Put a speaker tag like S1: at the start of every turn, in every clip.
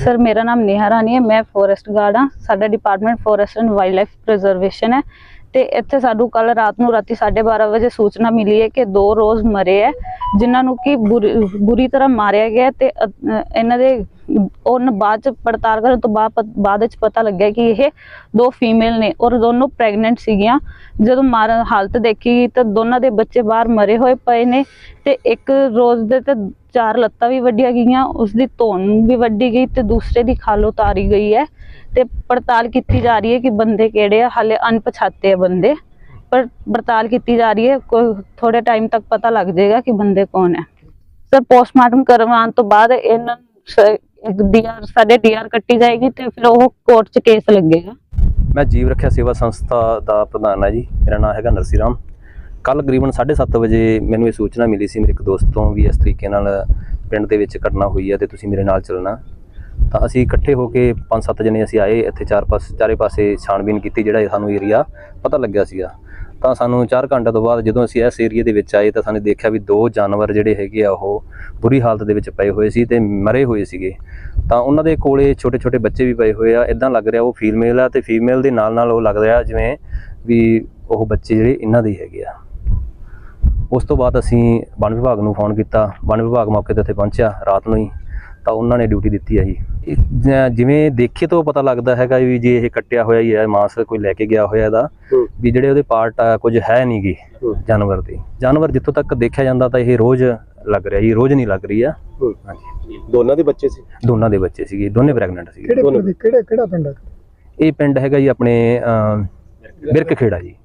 S1: Sir मेरा नाम नेहा रानी है, मैं फॉरेस्ट गार्ड हाँ। साडा department forest and wildlife preservation है। ਤੇ ਇੱਥੇ ਸਾਨੂੰ ਕੱਲ ਰਾਤ ਨੂੰ ਰਾਤੀ 12:30 ਵਜੇ ਸੂਚਨਾ ਮਿਲੀ ਹੈ ਕਿ 2 ਰੋਜ਼ ਮਰੇ ਹੈ ਜਿਨ੍ਹਾਂ ਨੂੰ ਕਿ ਬੁਰੀ ਤਰ੍ਹਾਂ ਮਾਰਿਆ ਗਿਆ ਤੇ ਇਹਨਾਂ ਦੇ ਉਹਨਾਂ ਬਾਅਦ ਚ ਪੜਤਾਲ ਕਰਨ ਤੋਂ ਬਾਅਦ ਵਿੱਚ ਪਤਾ ਲੱਗਿਆ ਕਿ ਇਹ 2 ਫੀਮੇਲ ਨੇ ਔਰ ਦੋਨੋਂ ਪ੍ਰੈਗਨੈਂਟ ਸੀਗੀਆਂ। ਜਦੋਂ ਮਾਰਨ ਹਾਲਤ ਦੇਖੀ ਤਾਂ ਦੋਨਾਂ ਦੇ ਬੱਚੇ ਬਾਹਰ ਮਰੇ ਹੋਏ ਪਏ ਨੇ ਤੇ ਇੱਕ ਰੋਜ਼ ਦੇ ਤੇ 4 ਲੱਤਾਂ ਵੀ ਵੱਢੀਆਂ ਗਈਆਂ, ਉਸਦੀ ਧੌਣ ਵੀ ਵੱਢੀ ਗਈ ਤੇ ਦੂਸਰੇ ਦੀ ਖਾਲ ਉਤਾਰੀ ਗਈ ਹੈ। ਤੇ ਪੜਤਾਲ ਕੀਤੀ ਜਾ ਰਹੀ ਹੈ ਕਿ ਬੰਦੇ ਕਿਹੜੇ ਆ, ਹਾਲੇ ਅਣਪਛਾਤੇ ਆ ਬੰਦੇ, ਪਰ ਪੜਤਾਲ ਕੀਤੀ ਜਾ ਰਹੀ ਹੈ। ਕੋਈ ਥੋੜੇ ਟਾਈਮ ਤੱਕ ਪਤਾ ਲੱਗ ਜਾਏਗਾ ਕਿ ਬੰਦੇ ਕੌਣ ਹੈ। ਸਰ ਪੋਸਟਮਾਰਟਮ ਕਰਵਾਉਣ ਤੋਂ ਬਾਅਦ ਇਹਨਾਂ ਸਾਡੇ ਡੀਆਰ ਕੱਟੀ ਜਾਏਗੀ ਤੇ ਫਿਰ ਉਹ ਕੋਰਟ 'ਚ ਕੇਸ ਲੱਗੇਗਾ।
S2: मैं जीव रक्षा सेवा संस्था का प्रधान है जी, मेरा नाम है नरसी राम। कल तकरीबन 7:30 वजे मैनू ये सूचना मिली सी मेरे एक दोस्त तो भी इस तरीके नाल पिंड दे विच घटना हुई है तो तुसीं मेरे नाल चलना। तो असीं इकट्ठे होके 5-7 जने असीं आए इत्थे चारे पासे छाणबीन कीती जिहड़ा सानूं एरिया पता लग्या सीगा। ਤਾਂ ਸਾਨੂੰ 4 ਘੰਟੇ ਤੋਂ ਬਾਅਦ ਜਦੋਂ ਅਸੀਂ ਇਸ ਏਰੀਏ ਦੇ ਵਿੱਚ ਆਏ ਤਾਂ ਸਾਨੂੰ ਦੇਖਿਆ ਵੀ 2 ਜਾਨਵਰ ਜਿਹੜੇ ਹੈਗੇ ਆ ਉਹ ਬੁਰੀ ਹਾਲਤ ਦੇ ਵਿੱਚ ਪਏ ਹੋਏ ਸੀ ਤੇ ਮਰੇ ਹੋਏ ਸੀਗੇ। ਤਾਂ ਉਹਨਾਂ ਦੇ ਕੋਲੇ ਛੋਟੇ ਛੋਟੇ ਬੱਚੇ ਵੀ ਪਏ ਹੋਏ ਆ। ਇਦਾਂ ਲੱਗ ਰਿਹਾ ਉਹ ਫੀਮੇਲ ਆ ਤੇ ਫੀਮੇਲ ਦੇ ਨਾਲ ਉਹ ਲੱਗ ਰਿਹਾ ਜਿਵੇਂ ਵੀ ਉਹ ਬੱਚੇ ਜਿਹੜੇ ਇਹਨਾਂ ਦੇ ਹੈਗੇ ਆ। ਉਸ ਤੋਂ ਬਾਅਦ ਅਸੀਂ ਵਣ ਵਿਭਾਗ ਨੂੰ ਫੋਨ ਕੀਤਾ। ਵਣ ਵਿਭਾਗ ਮੌਕੇ ਤੇ ਉੱਥੇ ਪਹੁੰਚਿਆ ਰਾਤ ਨੂੰ ਹੀ, ਤਾਂ ਉਹਨਾਂ ਨੇ ਡਿਊਟੀ ਦਿੱਤੀ ਹੈ ਜੀ। ਜਿਵੇਂ ਦੇਖੇ ਤੋਂ ਪਤਾ ਲੱਗਦਾ ਹੈਗਾ ਵੀ ਜੇ ਇਹ ਕੱਟਿਆ ਹੋਇਆ ਹੀ ਹੈ, ਮਾंस ਕੋਈ ਲੈ ਕੇ ਗਿਆ ਹੋਇਆ ਇਹਦਾ ਵੀ ਜਿਹੜੇ ਉਹਦੇ ਪਾਰਟ ਆ ਕੁਝ ਹੈ ਨਹੀਂ ਗੇ ਜਾਨਵਰ ਦੇ। ਜਾਨਵਰ ਜਿੱਥੋਂ ਤੱਕ ਦੇਖਿਆ ਜਾਂਦਾ ਤਾਂ ਇਹ ਰੋਜ਼ ਲੱਗ ਰਿਹਾ ਜੀ, ਰੋਜ਼ ਨਹੀਂ ਲੱਗ ਰਹੀ ਆ। ਹਾਂਜੀ,
S3: ਦੋਨਾਂ ਦੇ ਬੱਚੇ ਸੀ?
S2: ਦੋਨਾਂ ਦੇ ਬੱਚੇ ਸੀਗੇ, ਦੋਨੇ ਪ੍ਰੈਗਨੈਂਟ ਸੀਗੇ।
S3: ਕਿਹੜਾ ਪਿੰਡ ਹੈ
S2: ਇਹ? ਪਿੰਡ ਹੈਗਾ ਜੀ ਆਪਣੇ ਬਿਰਕ ਖੇੜਾ ਜੀ।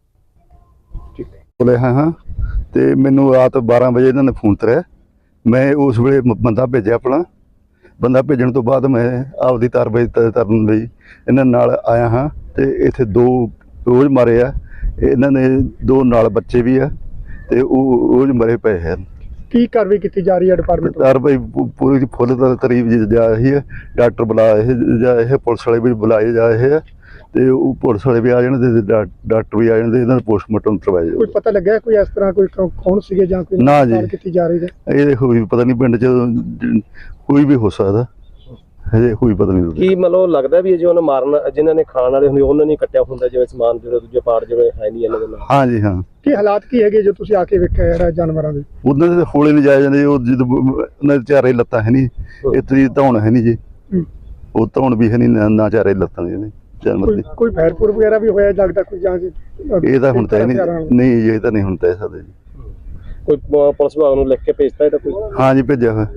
S4: ਬੋਲੇ ਹਾਂ ਤੇ ਮੈਨੂੰ ਰਾਤ 12 ਵਜੇ ਇਹਨਾਂ ਨੇ ਫੋਨ ਕਰਿਆ। ਮੈਂ ਉਸ ਵੇਲੇ ਬੰਦਾ ਭੇਜਿਆ ਆਪਣਾ। ਬੰਦਾ ਭੇਜਣ ਤੋਂ ਬਾਅਦ ਮੈਂ ਆਪਦੀ ਕਾਰਵਾਈ ਕਰਨ ਲਈ ਇਹਨਾਂ ਨਾਲ ਆਇਆ ਹਾਂ ਤੇ ਇੱਥੇ 2 ਰੋਜ਼ ਮਾਰੇ ਆ ਇਹਨਾਂ ਨੇ, 2 ਨਾਲ ਬੱਚੇ ਵੀ ਆ ਤੇ ਉਹ ਰੋਜ਼ ਮਰੇ ਪਏ ਹਨ।
S3: ਕੀ ਕਾਰਵਾਈ ਕੀਤੀ ਜਾ ਰਹੀ ਹੈ ਡਿਪਾਰਟਮੈਂਟ?
S4: ਕਾਰਵਾਈ ਪੂਰੀ ਫੁੱਲ ਤਰੀਬ ਜਾ ਰਹੀ ਹੈ। ਡਾਕਟਰ ਬੁਲਾਏ ਇਹ ਪੁਲਿਸ ਵਾਲੇ ਵੀ ਬੁਲਾਏ ਜਾ ਰਹੇ ਆ ਤੇ ਉਹ ਪੁਲਿਸ ਵਾਲੇ ਵੀ ਆ ਜਾਣ ਤੇ ਡਾਕਟਰ ਵੀ ਆ ਜਾਣ ਤੇ ਇਹਨਾਂ ਦਾ ਪੋਸਟਮਾਰਟਮ ਕਰਵਾਇਆ ਜਾਵੇ।
S3: ਕੋਈ ਪਤਾ ਲੱਗਿਆ ਕੋਈ ਇਸ ਤਰ੍ਹਾਂ ਕੋਈ ਕੌਣ ਸੀਗੇ ਜਾਂ ਕੋਈ
S4: ਨਾ ਜੀ
S3: ਕੀਤੀ ਜਾ ਰਹੀ ਹੈ?
S4: ਇਹ ਹੋਈ ਪਤਾ ਨਹੀਂ, ਪਿੰਡ 'ਚ ਕੋਈ ਵੀ ਹੋ ਸਕਦਾ, ਹਜੇ ਕੋਈ ਪਤਾ ਨਹੀਂ।
S3: ਕੀ ਮਤਲਬ ਲੱਗਦਾ ਵੀ ਜੇ ਉਹਨਾਂ ਮਾਰਨ ਜਿਨ੍ਹਾਂ ਨੇ ਖਾਣ ਵਾਲੇ ਹੁੰਦੇ ਉਹਨਾਂ ਨੇ ਕੱਟਿਆ ਹੁੰਦਾ ਜਿਵੇਂ ਸਮਾਨ ਜਿਹੜਾ ਦੂਜੇ ਪਾਰਟ ਜਿਵੇਂ ਹੈ ਨਹੀਂ ਇਹਨਾਂ ਦੇ ਨਾਲ?
S4: ਹਾਂ ਜੀ ਹਾਂ।
S3: ਕੀ ਹਾਲਾਤ ਕੀ ਹੈਗੇ ਜੋ ਤੁਸੀਂ ਆ ਕੇ ਵੇਖਿਆ ਜਿਹੜਾ ਜਾਨਵਰਾਂ ਦੇ?
S4: ਉਹਨਾਂ ਦੇ ਹੋਲੇ ਨਹੀਂ ਜਾਏ ਜਾਂਦੇ। ਉਹ ਜਦੋਂ ਉਹਨਾਂ ਦੇ ਚਾਰੇ ਲੱਤਾਂ ਹੈ ਨਹੀਂ, ਇਤਨੀ ਧੌਣ ਹੈ ਨਹੀਂ ਜੀ, ਉਹ ਧੌਣ ਵੀ ਹੈ ਨਹੀਂ, ਨਾ ਚਾਰੇ ਲੱਤਾਂ ਨੇ ਜਾਨਵਰ ਦੀ। ਕੋਈ
S3: ਫੈਰਪੁਰ ਵਗੈਰਾ ਵੀ ਹੋਇਆ ਲੱਗਦਾ ਕੋਈ ਜਾਂ
S4: ਇਹ ਤਾਂ ਹੁਣ ਤਾਂ ਨਹੀਂ ਜੀ, ਇਹ ਤਾਂ ਨਹੀਂ ਹੁਣ ਤੈ ਸਕਦੇ ਜੀ।
S3: ਕੋਈ ਪੁਲਿਸ ਵਿਭਾਗ ਨੂੰ ਲਿਖ ਕੇ ਭੇਜਤਾ ਇਹਦਾ ਕੋਈ?
S4: ਹਾਂ ਜੀ ਭੇਜਿਆ ਹੋਇਆ।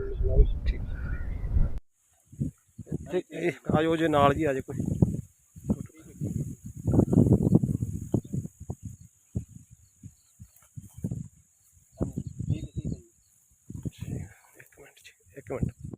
S3: ਆਜੋ ਜੇ ਨਾਲ ਜੀ ਆਜੇ ਕੋਈ। ਇੱਕ ਮਿੰਟ।